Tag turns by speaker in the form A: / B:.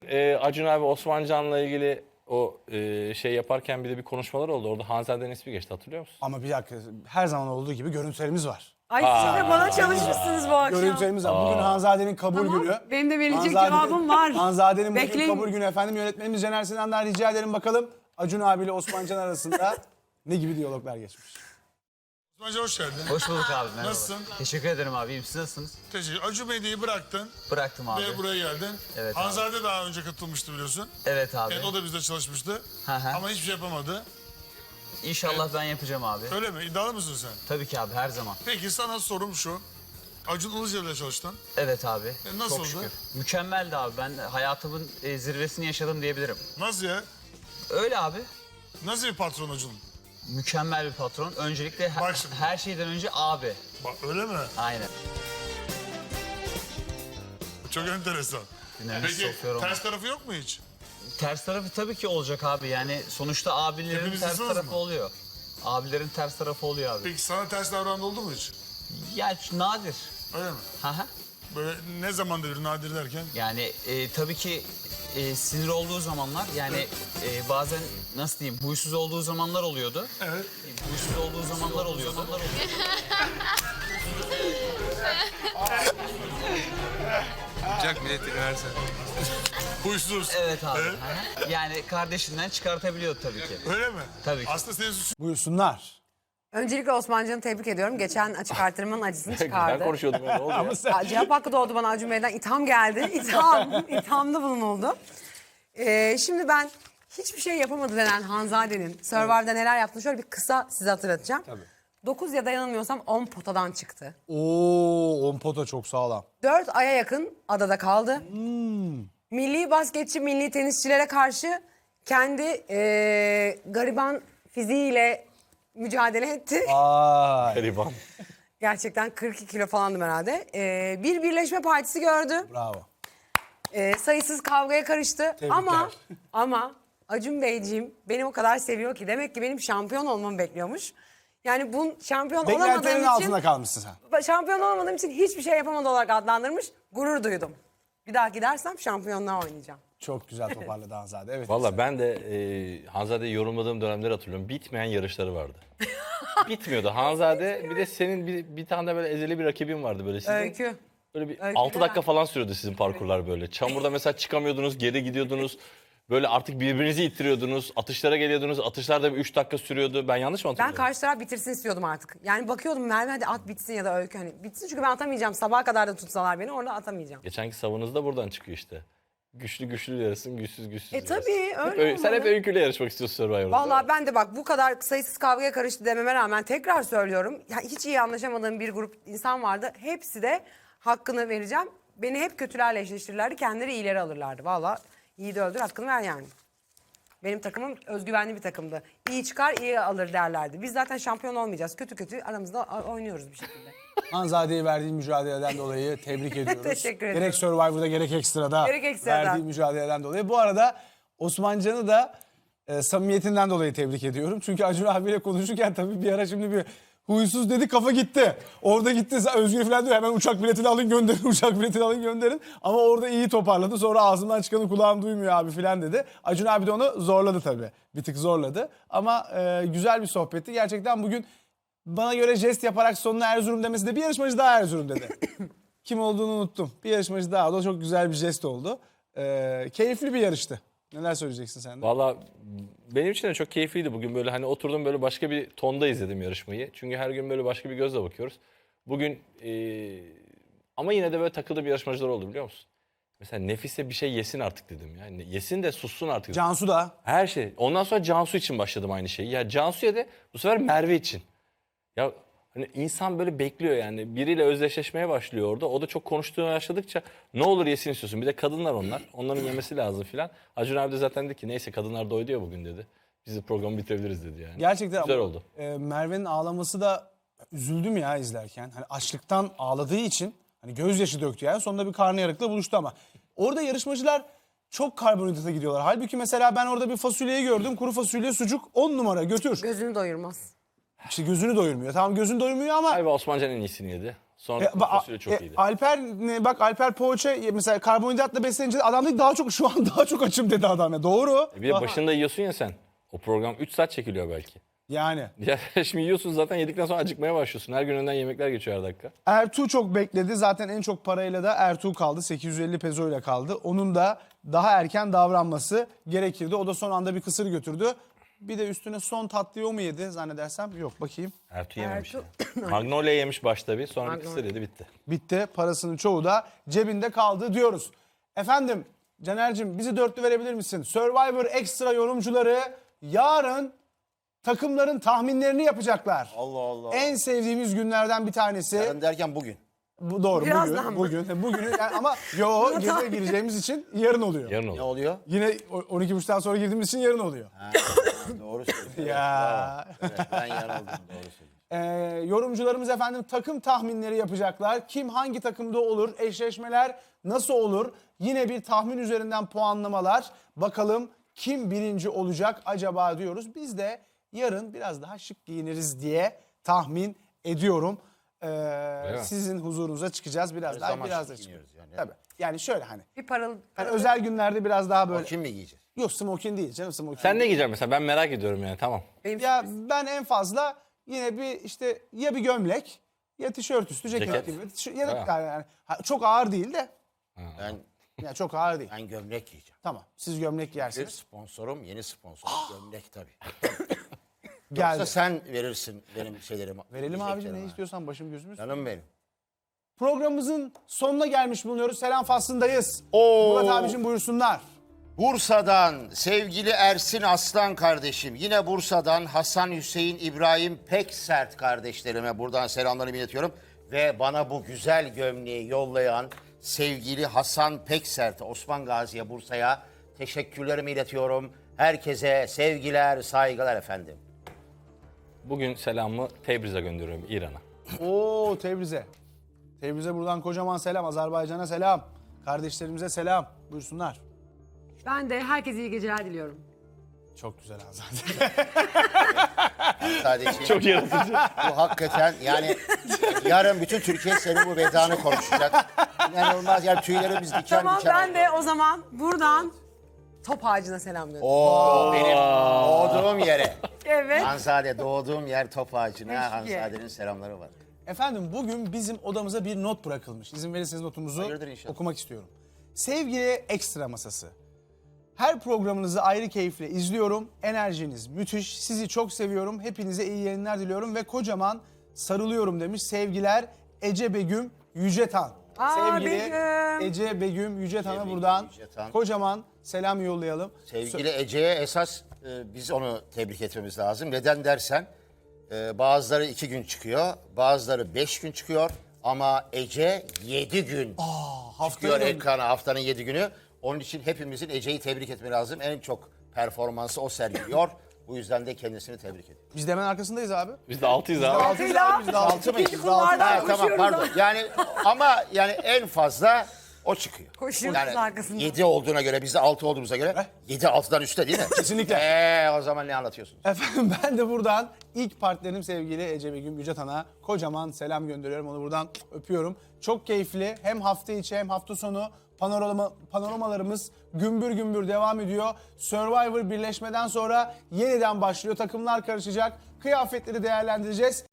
A: Acun abi Osmancan'la ilgili o şey yaparken bir konuşmalar oldu. Orada Hanzade'nin ismi geçti, hatırlıyor musun?
B: Ama bir dakika, her zaman olduğu gibi görüntülerimiz var.
C: Ay siz de bana çalışmışsınız bu akşam.
B: Görüntülerimiz var. Bugün Hanzade'nin kabul
C: Tamam,
B: günü.
C: benim de verilecek cevabım var.
B: Hanzade'nin bugün
C: Bekleyin.
B: kabul günü efendim. Yönetmenimiz Caner Sinan'dan rica edelim bakalım Acun abiyle Osmancan arasında ne gibi diyaloglar geçmiş.
D: Osmancan hoş geldin.
E: Hoş bulduk abi, merhaba.
D: Nasılsın?
E: Teşekkür ederim abi, iyiyim. Siz nasılsınız?
D: Teşekkür. Acun Medya'yı bıraktın
E: Bıraktım abi.
D: ve buraya geldin.
E: Evet abi.
D: Hanzade daha önce katılmıştı biliyorsun.
E: Evet abi.
D: Evet, o da bizde çalışmıştı.
E: Hı hı.
D: Ama hiçbir şey yapamadı.
E: İnşallah ben yapacağım abi.
D: Öyle mi? İddialı mısın sen?
E: Tabii ki abi, her zaman.
D: Peki sana sorum şu. Acun Ilıcalı'yla çalıştın.
E: Evet abi.
D: nasıldı?
E: Çok şükür. Mükemmeldi abi. Ben hayatımın zirvesini yaşadım diyebilirim.
D: Nasıl ya?
E: Öyle abi.
D: Nasıl bir patron Acun?
E: Mükemmel bir patron. Öncelikle
D: Bak şimdi.
E: her şeyden önce abi.
D: Bak öyle mi?
E: Aynen.
D: Çok enteresan.
E: Dinlerini
D: Peki
E: sokuyorum.
D: ters tarafı yok mu hiç?
E: Ters tarafı tabii ki olacak abi. Yani sonuçta abilerin
D: Hepimiz
E: ters
D: insanız
E: tarafı
D: mı?
E: oluyor. Abilerin ters tarafı oluyor abi.
D: Peki sana ters davrandı oldu mu hiç?
E: Yani nadir.
D: Öyle mi?
E: Hı hı.
D: Böyle ne zaman devir nadir derken?
E: Yani tabii ki sinir olduğu zamanlar, yani bazen nasıl diyeyim, huysuz olduğu zamanlar oluyordu.
D: Evet.
E: Huysuz olduğu zamanlar oluyordu.
F: Jack milletini versen.
D: Huysuz.
E: Evet abi.
D: Evet.
E: Hı hı. Yani kardeşinden çıkartabiliyordu tabii ki.
D: Öyle mi?
E: Tabii ki.
D: Aslında senin suçun.
B: Buyursunlar.
C: Öncelikle Osmancan'ı tebrik ediyorum. Geçen açık artırmanın acısını
A: Ben
C: çıkardı.
A: konuşuyordum ya, ne oldu ya?
C: Cevap hakkı doğdu bana Acun Bey'den. İtham geldi. İthamda bulunuldu. Şimdi ben hiçbir şey yapamadı denen Hanzade'nin Survivor'da neler yaptığını şöyle bir kısa size hatırlatacağım.
B: Tabii.
C: 9 ya da yanılmıyorsam 10 potadan çıktı.
B: Oo, on pota çok sağlam.
C: 4 aya yakın adada kaldı. Milli basketçi, milli tenisçilere karşı kendi gariban fiziğiyle mücadele etti.
B: Ay,
A: Gariban.
C: Gerçekten 42 kilo falandım herhalde. Bir birleşme partisi gördü.
B: bravo.
C: Sayısız kavgaya karıştı.
B: Tebrikler.
C: Ama Acun Beyciğim beni o kadar seviyor ki demek ki benim şampiyon olmamı bekliyormuş. Yani bu şampiyon
B: Beklentilerin
C: olamadığım
B: altında
C: için,
B: kalmışsın sen.
C: şampiyon olamadığım için hiçbir şey yapamadı olarak adlandırmış. Gurur duydum. Bir daha gidersem şampiyonluğa oynayacağım.
B: Çok güzel toparladı Hanzade. Evet.
A: Valla ben de Hanzade'yi yorumladığım dönemleri hatırlıyorum. Bitmeyen yarışları vardı. Bitmiyordu. Hanzade bir de senin bir tane de böyle ezeli bir rakibin vardı böyle sizin.
C: Öykü.
A: Böyle bir
C: Öykü
A: 6
C: de
A: dakika
C: var.
A: falan sürüyordu sizin parkurlar böyle. Çamurda mesela çıkamıyordunuz, geri gidiyordunuz. Böyle artık birbirinizi ittiriyordunuz. Atışlara geliyordunuz. Atışlar da bir 3 dakika sürüyordu. Ben yanlış mı
C: Ben
A: hatırlıyorum?
C: karşı taraf bitirsin istiyordum artık. Yani bakıyordum Merve hadi at bitsin ya da Öykü hani bitsin çünkü ben atamayacağım. Sabaha kadar da tutsalar beni orada atamayacağım.
A: Geçenki savunuz da buradan çıkıyor işte. Güçlü güçlü yarışsın, güçsüz güçsüz yarışsın.
C: Tabii öyle
A: Sen hep
C: olmalı.
A: öyküyle yarışmak istiyorsun Survivor'da.
C: Vallahi ben de bak bu kadar sayısız kavgaya karıştı dememe rağmen tekrar söylüyorum. Ya hiç iyi anlaşamadığım bir grup insan vardı. Hepsi de hakkını vereceğim. Beni hep kötülerle eşleştirirlerdi. Kendileri iyileri alırlardı. Vallahi iyi de öldür hakkını ver yani. Benim takımım özgüvenli bir takımdı. İyi çıkar iyi alır derlerdi. Biz zaten şampiyon olmayacağız. Kötü kötü aramızda oynuyoruz bir şekilde.
B: Hanzade'ye verdiği mücadeleden dolayı tebrik ediyoruz.
C: Teşekkür ederim.
B: Gerek Survivor'da gerek ekstrada
C: Gerek ekstradan.
B: verdiği mücadeleden dolayı. Bu arada Osmancan'ı da samimiyetinden dolayı tebrik ediyorum. Çünkü Acun abiyle konuşurken tabii bir ara şimdi bir huysuz dedi kafa gitti. Orada gitti Özgür falan diyor hemen uçak biletini alın gönderin uçak biletini alın gönderin. Ama orada iyi toparladı. Sonra ağzımdan çıkanı kulağım duymuyor abi falan dedi. Acun abi de onu zorladı tabii. Bir tık zorladı. Ama güzel bir sohbetti. Gerçekten bugün bana göre jest yaparak sonuna Erzurum demesi de bir yarışmacı daha Erzurum dedi. Kim olduğunu unuttum. Bir yarışmacı daha. O da çok güzel bir jest oldu. Keyifli bir yarıştı. Neler söyleyeceksin sen de?
A: Valla benim için de çok keyifliydi bugün, böyle hani oturdum böyle başka bir tonda izledim yarışmayı. Çünkü her gün böyle başka bir gözle bakıyoruz. Bugün ama yine de böyle takıldığım yarışmacılar oldu biliyor musun? Mesela Nefise bir şey yesin artık dedim. Yani yesin de sussun artık.
B: Cansu da.
A: Her şey. Ondan sonra Cansu için başladım aynı şeyi. Ya Cansu'ya da bu sefer Merve için. Ya hani insan böyle bekliyor yani. Biriyle özdeşleşmeye başlıyor orada. O da çok konuştuğunu başladıkça ne olur yesin istiyorsun. Bir de kadınlar onlar. Onların yemesi lazım filan. Acun abi de zaten dedi ki neyse kadınlar doydu ya bugün dedi. Biz de programı bitirebiliriz dedi yani.
B: Gerçekten
A: Güzel
B: ama,
A: oldu.
B: Merve'nin ağlaması da üzüldüm ya izlerken. Hani açlıktan ağladığı için hani gözyaşı döktü yani. Sonunda bir karnıyarıkla buluştu ama. Orada yarışmacılar çok karbonhidrata gidiyorlar. Halbuki mesela ben orada bir fasulyeyi gördüm. Kuru fasulye, sucuk 10 numara götür.
C: Gözünü doyurmaz.
B: İşte gözünü doyurmuyor. Tamam gözünü doyurmuyor ama
A: Galiba Osmancan en iyisini yedi. Sonra kuru fasulye çok iyiydi.
B: Alper bak Alper poğaça mesela karbonhidratla beslenince adam dedi daha çok şu an daha çok açım dedi adam ya. Doğru.
A: Bir de başında yiyorsun ya sen. O program 3 saat çekiliyor belki.
B: Yani.
A: Ya şimdi yiyorsun zaten yedikten sonra acıkmaya başlıyorsun. Her gün önden yemekler geçiyor her dakika.
B: Ertuğ çok bekledi. Zaten en çok parayla da Ertuğ kaldı. 850 peso ile kaldı. Onun da daha erken davranması gerekirdi. O da son anda bir kısır götürdü. Bir de üstüne son tatlıyı o mu yedi zannedersem? Yok bakayım.
A: Ertuğ yememiş.
C: Ertuğ-
A: Magnolia yemiş başta bir sonra bir
C: Magnolia.
A: kısır yedi bitti.
B: Bitti. Parasının çoğu da cebinde kaldı diyoruz. Efendim Caner'cim bizi dörtlü verebilir misin? Survivor Extra yorumcuları yarın takımların tahminlerini yapacaklar.
G: Allah Allah.
B: En sevdiğimiz günlerden bir tanesi.
G: Yarın derken bugün.
B: Bu doğru
C: Birazdan
B: bugün.
C: mı?
B: Bugün yani ama gece gireceğimiz için yarın oluyor.
A: Yarın
G: Ne
A: olur.
G: oluyor?
B: Yine 12.30'dan sonra girdiğimiz için yarın oluyor.
G: Doğru söylüyorsun.
B: Ya.
G: Evet, ben yanıldım. Doğru söylüyorsun.
B: Yorumcularımız efendim takım tahminleri yapacaklar. Kim hangi takımda olur? Eşleşmeler nasıl olur? Yine bir tahmin üzerinden puanlamalar. Bakalım kim birinci olacak acaba diyoruz. Biz de yarın biraz daha şık giyiniriz diye tahmin ediyorum.
A: mi?
B: Sizin huzurunuza çıkacağız biraz
G: Her
B: daha
G: zaman
B: biraz da
G: şık
B: çıkıyoruz.
G: giyiniyoruz
B: Yani. Tabii. Yani şöyle hani
C: Bir paralı.
B: özel günlerde biraz daha böyle.
G: Kim mi giyeceğiz?
B: Yok smokin değil canım smokin.
A: Sen ne giyeceksin mesela? Ben merak ediyorum yani tamam.
C: Benim
B: Ya ben en fazla yine bir işte ya bir gömlek ya tişört üstü ceket,
A: Ceket.
B: gibi. Ya da
A: Ha.
B: yani çok ağır değil de.
G: Ben,
B: Ya çok ağır değil.
G: ben gömlek giyeceğim.
B: Tamam. Siz gömlek
G: Bir
B: giyersiniz.
G: sponsorum, yeni sponsorum. Gömlek tabii.
B: Geldi.
G: Yoksa sen verirsin benim şeylerimi.
B: Verelim abicim ne
G: yiyeceklerimi.
B: istiyorsan başım gözümüz.
G: Canım benim.
B: Programımızın sonuna gelmiş bulunuyoruz. Selam faslındayız.
G: Oo.
B: Murat abicim buyursunlar.
G: Bursa'dan sevgili Ersin Aslan kardeşim. Yine Bursa'dan Hasan Hüseyin İbrahim Peksert kardeşlerime buradan selamlarımı iletiyorum. Ve bana bu güzel gömleği yollayan sevgili Hasan Peksert, Osman Gazi'ye, Bursa'ya teşekkürlerimi iletiyorum. Herkese sevgiler, saygılar efendim.
A: Bugün selamımı Tebriz'e gönderiyorum İran'a.
B: Oo Tebriz'e. Tebriz'e buradan kocaman selam. Azerbaycan'a selam. Kardeşlerimize selam. Buyursunlar.
C: Ben de herkese iyi geceler diliyorum.
B: Çok güzel Azerbaycan.
G: Sadece
A: Çok yaratıcı.
G: bu hakikaten yani yarın bütün Türkiye senin bu vedanı konuşacak. İnanılmaz yani tüylerimiz diken
C: Tamam
G: diken.
C: ben de o zaman buradan top ağacına selam gönderiyorum.
G: Oo, benim doğduğum yere.
C: Evet.
G: Hanzade doğduğum yer top ağacına.
C: Eşki.
G: Hanzade'nin selamları var.
B: Efendim bugün bizim odamıza bir not bırakılmış. İzin verirseniz notumuzu
G: Hayırdır inşallah.
B: okumak istiyorum. Sevgili Ekstra Masası. Her programınızı ayrı keyifle izliyorum. Enerjiniz müthiş. Sizi çok seviyorum. Hepinize iyi yayınlar diliyorum ve kocaman sarılıyorum demiş. Sevgiler Ece Begüm Yücetan. Sevgili
C: Begüm.
B: Ece Begüm Yücetan'a
G: Begüm
B: buradan
G: Yücetan.
B: kocaman selam yollayalım.
G: Sevgili Ece'ye esas biz onu tebrik etmemiz lazım. Neden dersen bazıları 2 gün çıkıyor, bazıları 5 gün çıkıyor. Ama Ece 7 gün çıkıyor
B: haftaya
G: ekrana, haftanın 7 günü. Onun için hepimizin Ece'yi tebrik etmesi lazım. En çok performansı o sergiliyor. Bu yüzden de kendisini tebrik ediyorum.
B: Biz de hemen arkasındayız abi.
A: Biz de 6'yız abi.
B: Altıyız abi, biz de altı mıyız?
C: İkinci
B: Biz de altı.
C: kulvardan
G: Ha, tamam
C: koşuyoruz
G: pardon.
C: ama.
G: Yani ama yani en fazla o çıkıyor.
C: Koşuyoruz
G: Yani
C: arkasından.
G: 7 olduğuna göre biz de 6 olduğumuza göre 7 6'dan üstte değil mi?
B: Kesinlikle.
G: O zaman ne anlatıyorsunuz?
B: Efendim ben de buradan ilk partnerim sevgili Ece Begüm Yücetan'a kocaman selam gönderiyorum. Onu buradan öpüyorum. Çok keyifli. Hem hafta içi hem hafta sonu panoramalarımız gümbür gümbür devam ediyor. Survivor birleşmeden sonra yeniden başlıyor. Takımlar karışacak. Kıyafetleri değerlendireceğiz.